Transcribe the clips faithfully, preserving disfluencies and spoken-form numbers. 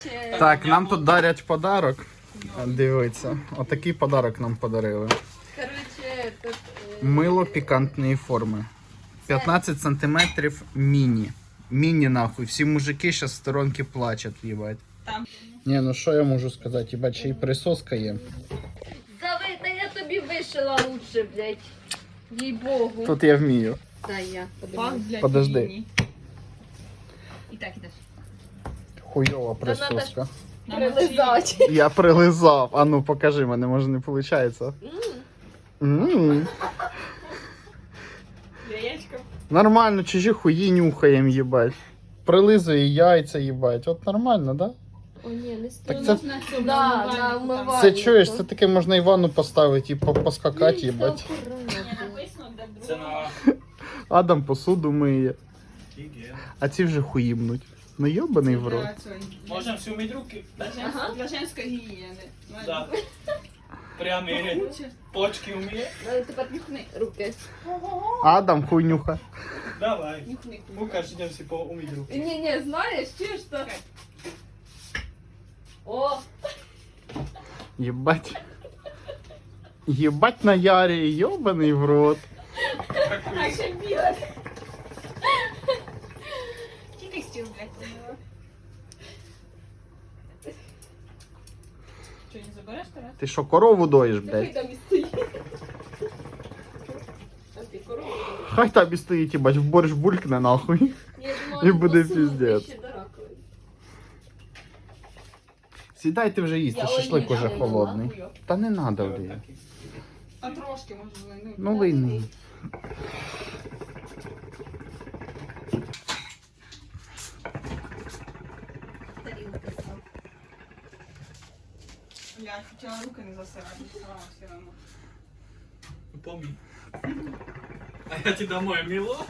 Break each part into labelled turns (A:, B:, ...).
A: Так, нам тут дарять подарок. Дивіться, отакий подарок нам подарили.
B: Короче, тут...
A: Мило пікантної форми. п'ятнадцять сантиметрів міні. Міні нахуй. Всі мужики зараз в сторонки плачуть, їбать.
C: Там.
A: Ні, ну що я можу сказати, їбать, ще й присоска є.
B: Зави, та я тобі вишила лучше, блядь. Їй-богу.
A: Тут я вмію.
B: Дай я
C: Пак
B: подивлюсь.
C: для
A: Подожди.
C: Кіні. І так ідеш.
A: Хуйова присоска.
B: Прилизати.
A: Я прилизав. А ну покажи, мене може не виходить. М.
C: Яєчко.
A: Нормально, чужі хуї нюхаєм, їбать. Прилизує яйця, їбать. От нормально, да?
B: О, ні, не стоїть.
A: Так
C: Ну,
A: це-
C: можна цю
B: Да,
C: умивальнику
B: на
C: там.
B: умивальнику.
A: Це чуєш, це таке можна і ванну поставити і по- поскакати, їбать.
C: Ні, написано, де
D: Це
C: друга.
D: на
A: Адам посуду миє.
D: гігієну.
A: А ці вже хуїбнуть. Ну йобаний в рот.
C: Для цього, для-
D: Можна всю мить руки?
C: Для жен-
B: Ага.
C: для женської гігієни.
D: Да. Прямі почки вміє?
B: Ну, тепер нюхни руки.
A: Адам хуйнюха.
D: Давай.
C: Нюхни.
D: Лукаш, йдемо всі поуміть руки.
B: Ні, ні, знаєш, чуєш, що... О,
A: Єбать. Єбать на ярі, йобаний в рот.
C: А ще біле. Тільки стіл, блядь, помила. Що, не забереш, Тарас?
A: Ти що, корову доїш,
B: такий
A: блядь?
B: там і стоїть. А ти корову?
A: Хай тобі стоїть, їбать, в борщ булькне нахуй.
B: Ні, я думала,
A: І буде
B: посунути
A: піздець.
B: ще до раковини.
A: Сідайте вже їсти,
B: Я
A: шашлик
B: олію
A: уже
B: дала,
A: холодний.
B: нахуй.
A: Та не надо вже.
C: А трошки, може, ну.
A: Ну вийни.
B: Тарілка став.
C: Блядь, хотіла руки не засирати, все одно.
D: Помій. А я тебе домой мило.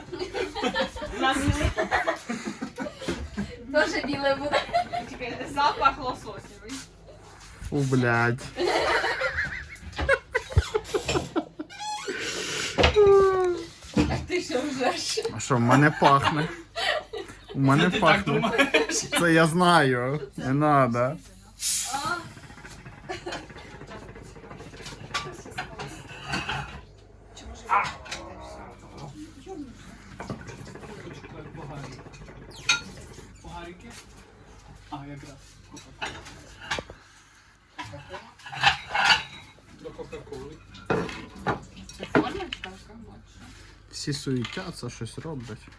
B: Тоже біле буде.
C: Тільки запах лососевий.
A: Фу, блядь.
B: А ти що ржеш?
A: А що, в мене пахне? У мене
D: Ти так
A: пахне.
D: думаєш?
A: Це я знаю. Не надо.
B: А,
D: Погарики. А, якраз. Кока-кола. До Кока-Коли.
C: Це формочка, бачиш?
A: Всі суетяться, щось роблять.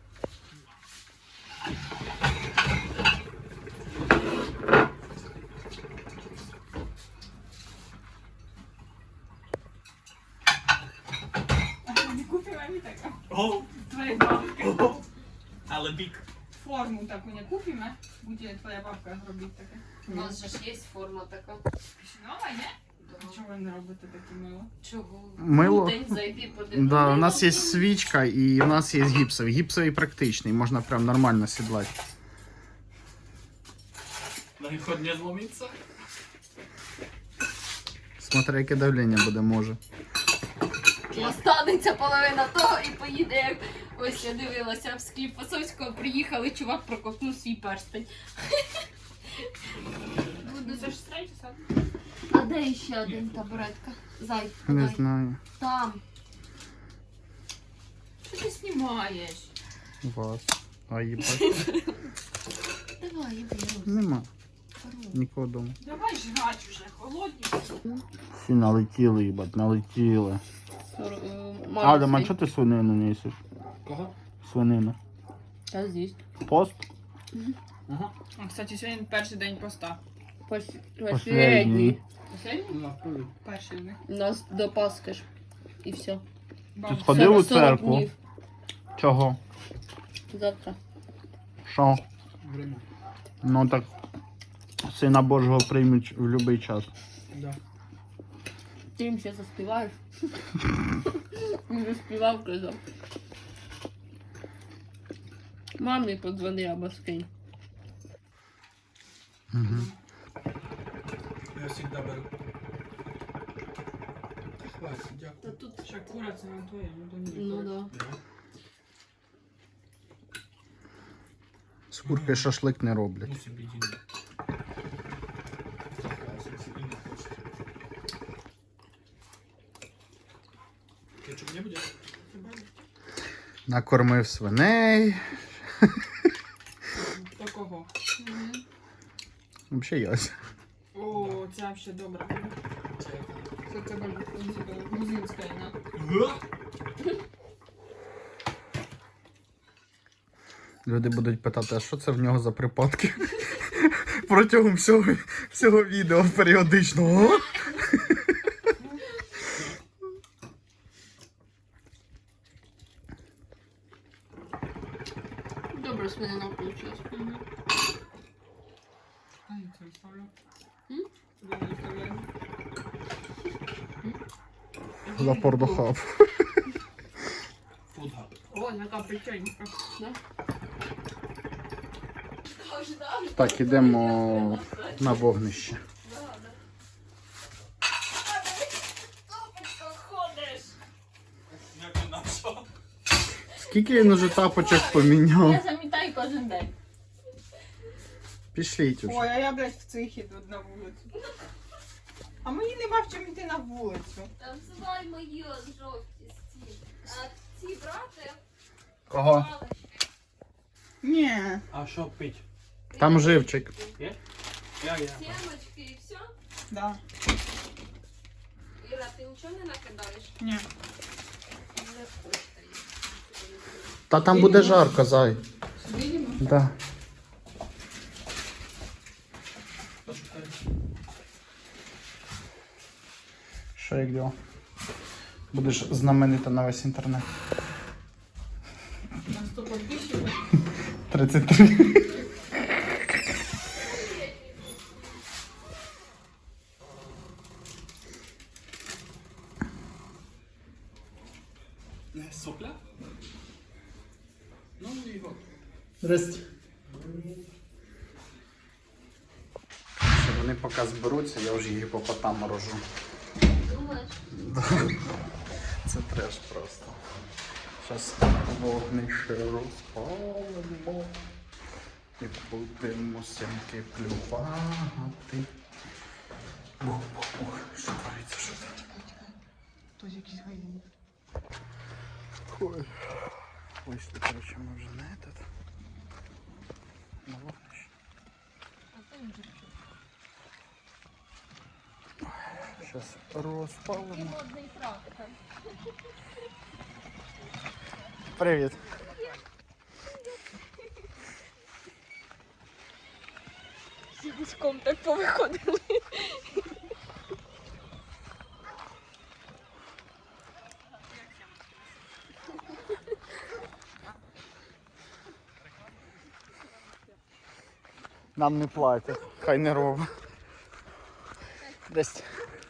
C: Не купила мені таке.
D: О,
C: Твоя бабка.
D: о. Але бік.
C: Форму таку не купимо, буде твоя бабка робити таке.
B: у нас же ж є форма така.
C: Нова, ні? Чого ви не робите таке мило?
B: Чого?
A: Мило?
B: Ну, день зайди, подивись.
A: Да, у нас є свічка і у нас є гіпсовий. Гіпсовий практичний, можна прям нормально сідлати.
D: На ход не зломиться.
A: Смотри, яке давлення буде, може.
B: І останеться половина того і поїде, як ось я дивилася в скліп Фасовського, приїхали, чувак проковтнув свій перстень.
C: Ну це ж третій сад.
B: А де ще один табуретка? Зай,
A: Не
B: подай.
A: знаю.
B: Там.
C: Що ти знімаєш?
A: Вас. А їбать.
B: Давай, я беру.
A: Нема. Нікого дома.
C: Давай жрать уже, холодні.
A: Всі налетіли, їбать, налетіли. Адам, а чого ти свинину не їсиш?
D: Кого?
A: Свинину.
B: Та з'їсть.
A: Пост?
D: Ага.
C: А, кстати, сьогодні перший день поста.
A: Последній.
C: Последній? Перший день.
B: У нас до Пасхи ж. І все.
A: Ти сходив у церкву? Чого?
B: Завтра.
A: Що?
D: Время.
A: Ну так, сина Божого приймуть в будь-який час.
D: Да.
B: Ти їм ще заспіваєш? Він вже співав, казав. Мамі подзвони або скинь.
A: Угу.
D: Я завжди беру. Хватит, дякую.
B: Та тут...
C: Ще кура це не твоє, ну то ні.
B: Ну да.
A: курки шашлик не роблять.
D: Ну собі діли. Кетчуп не буде?
A: Накормив свиней.
C: Такого.
A: Взагалі ясь.
C: О, ця ще добра. Це це грузинська, на.
A: Люди будуть питати, а що це в нього за припадки? Протягом всього, всього відео періодичного.
B: Добре, свинина вийшла.
C: А, я це вставлю.
B: М?
C: Туди не вставляю.
A: Запор до хаб.
D: Фудгаб.
C: О, яка печенька.
B: Да?
A: Так, ідемо на вогнище.
D: Як він навчав?
A: Скільки він уже тапочок поміняв?
B: Я замітаю кожен день.
A: Пішліть уже.
C: Ой, а я, блядь, в цих іду на вулицю. А мені нема в чому йти на вулицю.
B: Там взивай мої жовті стіни. А ці брати
A: Кого?
C: Ні.
D: А що пить?
A: Там живчик.
D: Є? Я, я.
B: Сімочки і все.
C: Да.
B: Іра, ти нічого не накидаєш?
C: Ні.
B: Не хочете.
A: Та там буде жарко, зай.
C: Видимо?
A: Да. Що як діло? Будеш знаменита на весь інтернет.
C: На сто підписчиків.
A: тридцять три.
D: Не сопля? Ну і от.
A: Здрасте. Що вони поки зберуться, я вже гіпопотам рожу.
B: Думаєш?
A: Це треш просто. Зараз вогнище розпалимо і будемо сімки плювати. Ух, ух, ух, що твориться, що там?
C: Хтось якийсь гайний.
A: Ой. Вийшли, коротше, ми вже на этот. На вогнище. Зараз розпалимо.
B: Модний трактор.
A: Привіт.
B: Всі гуськом так повиходили.
A: Нам не платять. Хай не робить. Десь.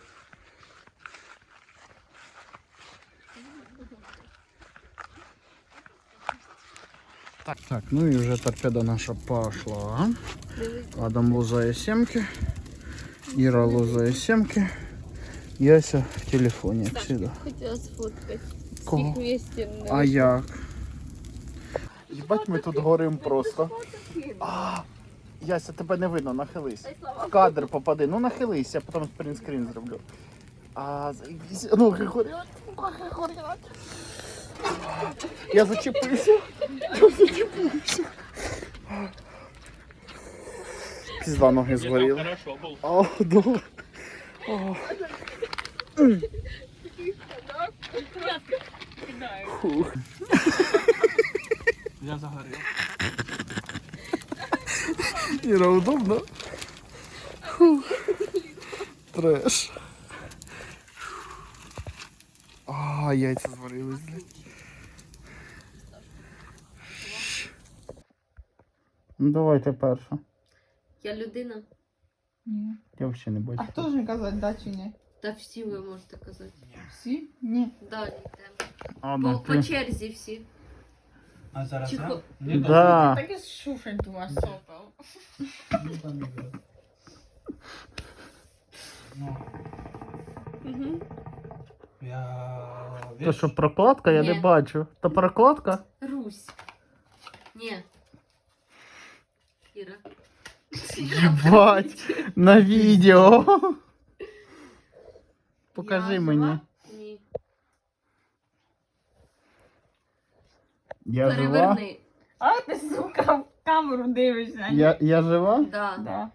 A: Так, так, ну і вже торпеда наша пошла. Адам лузає сімки. Іра лузає сімки. Яся в телефоні, як завжди.
B: Хотіла сфоткати.
A: Кого?
B: Всіх вместе.
A: А як? Їбать, ми тут горим просто. А, Яся, тебе не видно, нахились. В кадр попади. Ну нахились, я потім спринтскрін зроблю. А, заебись. Ноги горять, ноги горять. Я зачепився. Я зачепився. Пізда, ноги згоріли.
D: Хорошо був.
A: О, да. О. Фух.
D: Я загорів.
A: Іра, удобно? Фух. Треш. А, яйця зварились, блядь. Ну давайте перше.
B: Я людина.
C: Ні.
A: Я взагалі не бачу.
C: А хто ж казати, да чи ні?
B: Та всі ви можете казати.
C: Всі? Ні.
B: Далі йдемо.
A: А,
B: По,
A: ну,
B: по
A: ти.
B: черзі всі.
D: А зараз
B: Чи
D: я?
B: хо-
D: Ні,
A: Да.
C: Так і шуфель у вас сопав.
D: ні, там не буде. Ну,
B: Угу.
D: я...
A: То що, прокладка? Я не
B: Ні.
A: бачу. То прокладка?
B: Русь. Ні.
A: Єбать, на відео. Покажи
C: Я
A: мені.
C: жива?
B: Ні.
A: Я жива?
B: Переверни.
C: А ти, сука, в камеру дивишся.
A: Я, я жива?
B: Да.
C: Да.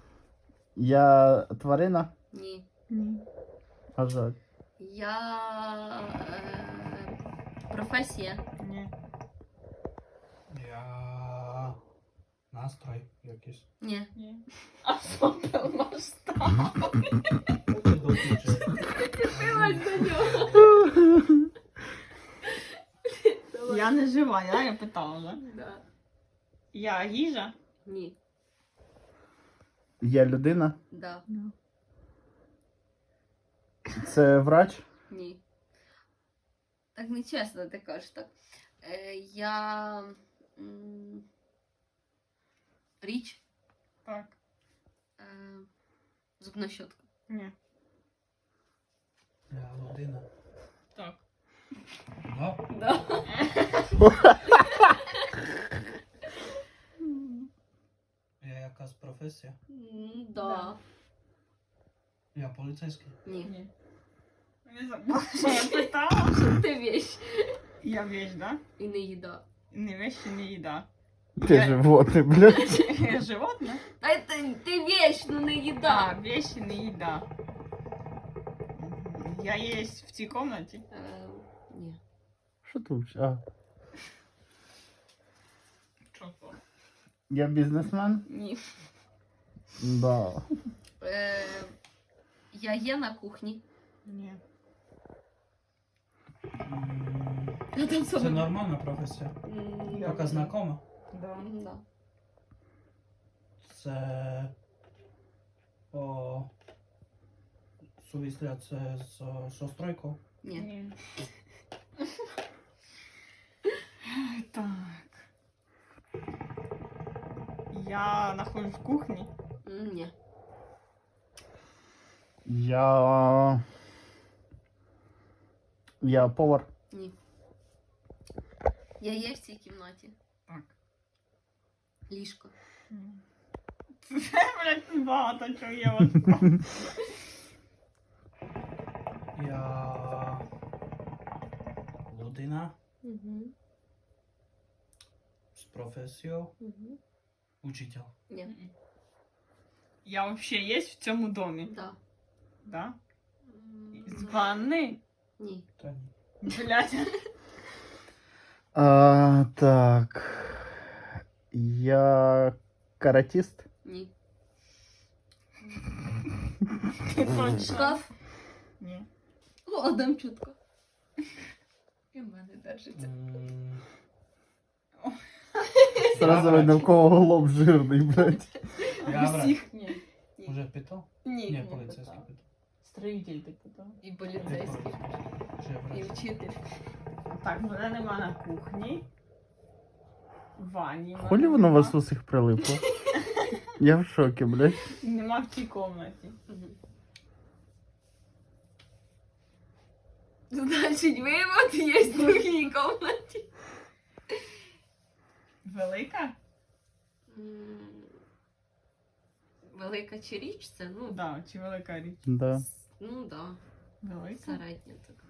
A: Я тварина?
B: Ні.
C: Ні.
A: А жаль.
B: Я. Е... Професія.
C: Ні.
D: Я настрой якийсь.
B: Ні.
C: Ні. А сопел масштаб.
D: Поки доключи.
B: Дивись до нього.
C: Я не жива, я, я питала, да?
B: Да.
C: Я їжа?
B: Ні.
A: Я людина?
B: Да.
A: Це врач?
B: Ні. Так нечесно ти кажеш так. Е, я. М... Річ.
C: Так.
B: Е... Зубна щотка.
C: Ні.
D: Я людина.
C: Так.
D: Да?
B: Да.
D: Я якась професія.
B: М, Да.
D: Я поліцейський.
B: Ні.
C: Ні. Не забула, що я питала.
B: Ти вещь.
C: Я вещь, да?
B: І не їда.
C: Не вещь, і не їда.
A: Ти
C: Я-
A: животне, блядь.
C: Я животне?
B: Та ти, ти вещь, ну не
C: Да,
B: їда.
C: вещь, і не їда. Я є в цій кімнаті.
B: Е, ні.
A: Що ти вчиш? А,
C: Що то?
A: я бізнесмен?
B: Ні.
A: Да.
B: Е, я є на кухні.
C: Ні.
D: М,
B: Я там
D: Це нормальна професія.
B: М,
D: Яка знакома.
C: Да.
B: М, Да.
D: Це о, сувісля це з со стройкою.
B: Ні.
C: Ні. Так. Я нахожусь в кухні.
B: М, Ні.
A: Я. Я повар.
B: Ні. Я є в цій кімнаті.
C: Так.
B: Ліжко.
C: Це, блядь, багато чого є важко.
D: Я людина
B: Угу.
D: з професією
B: Угу.
D: учитель.
B: Ні.
C: Я взагалі є в цьому домі.
B: Да.
C: Да?
B: М,
C: З ванни?
B: Ні.
D: Та ні.
C: Блядь.
A: А, так. Я каратист?
B: Ні.
C: Ти точно.
B: Шкаф.
C: Ні.
B: О, Адам чутко. І в мене держиться.
D: М,
A: Сразу видно, в кого лоб жирний, блядь.
D: Я врач.
C: Всіх? Ні.
D: Уже питав?
B: Ні.
D: Ні, поліцейський питав.
C: Строїтель ти питав.
B: І
D: Я
B: поліцейський.
D: поліцейський. Чи я
B: І
D: врач?
B: вчитель.
C: Так, мене нема на кухні. В ванні. мене
A: Хулі воно у
C: нема.
A: вас усіх прилипло? Я в шокі, блядь.
C: Нема в цій кімнаті.
B: Мгм. Значить, вивод є в другій кімнаті.
C: Велика?
B: М, Велика чи річ це? Ну,
C: Да, чи велика річ?
A: Да.
B: с- ну да,
C: Велика?
B: середня така.